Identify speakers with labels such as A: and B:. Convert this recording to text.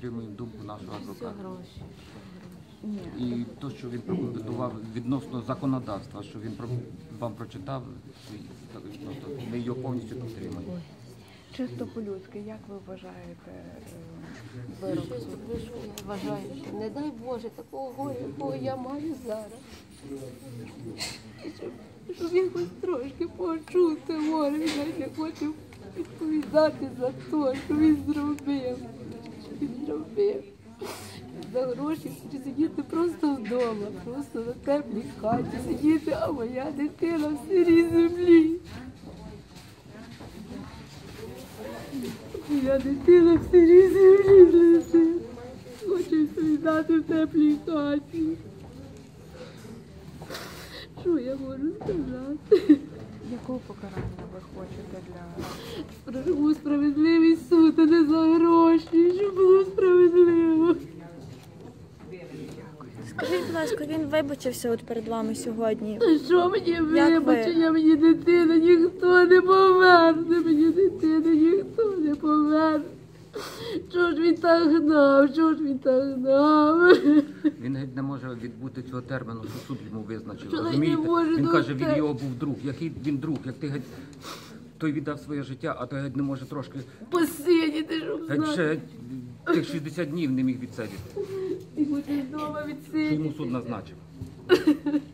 A: підтримуємо думку нашого
B: Все
A: адвоката.
B: гроші.
A: І те, що він прокоментував відносно законодавства, що він вам прочитав, ми його повністю підтримуємо.
C: Чисто по-людськи, як ви вважаєте вирок
B: Що
C: суду?
B: я вважаю, що не дай Боже такого горя, якого я маю зараз. Щоб якось трошки почути горе, він навіть не хоче відповідати за те, що він зробив. Що він зробив. За гроші хоче сидіти просто вдома, просто на теплій хаті сидіти, а моя дитина в сирій землі. Моя дитина в сирій землі лежить. Хочу відповідати в теплій хаті. Що я можу сказати?
C: Якого покарання ви хочете для...
B: Прошу справедливий суд, а не за гроші, щоб було справедливо.
D: Скажіть, будь ласка, він вибачився от перед вами сьогодні.
B: Що мені
D: Як ви?
B: вибачення, мені дитина ніхто не поверне, мені дитина ніхто не поверне. Що ж він так гнав, що ж він так гнав?
A: Він геть не може відбути цього терміну, що суд йому визначив.
B: Що
A: Розумієте?
B: не може
A: Він каже,
B: бути?
A: він його був друг. Який він друг? Як ти геть той віддав своє життя, а той геть не може трошки
B: Посидіти, щоб
A: геть ще
B: знати.
A: тих 60 днів не міг відсидіти,
B: І буде вдома
A: що
B: відсидіти.
A: йому суд назначив.